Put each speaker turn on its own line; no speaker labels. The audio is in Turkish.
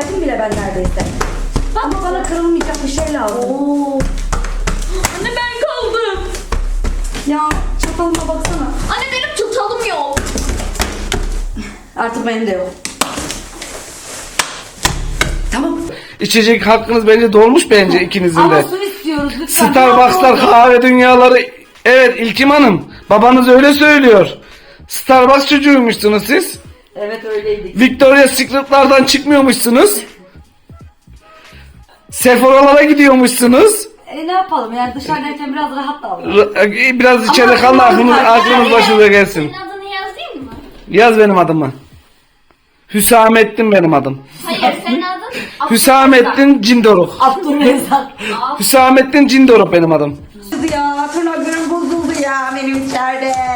geldim bile ben neredeyse. Ama bana kırılmayacak bir şey lazım.
Oo. Anne ben kaldım.
Ya çatalıma baksana.
Anne benim çatalım yok.
Artık benim de yok. Tamam.
İçecek hakkınız bence dolmuş bence ikinizin
Ama
de.
su istiyoruz lütfen.
Starbucks'lar, kahve dünyaları. Evet İlkim Hanım. Babanız öyle söylüyor. Starbucks çocuğuymuşsunuz siz.
Evet öyleydik.
Victoria's Secret'lardan çıkmıyormuşsunuz. Sephora'lara gidiyormuşsunuz.
Ne yapalım yani dışarıdayken biraz rahat davran.
Biraz içeride kalın aklımız başınıza gelsin.
Senin adını yazayım mı?
Yaz benim adımı. Hüsamettin benim adım.
Hayır senin adın
Hüsamettin Cindoruk.
Abdülrezzak.
Hüsamettin Cindoruk benim adım.
Ya tırnaklarım bozuldu ya benim içeride.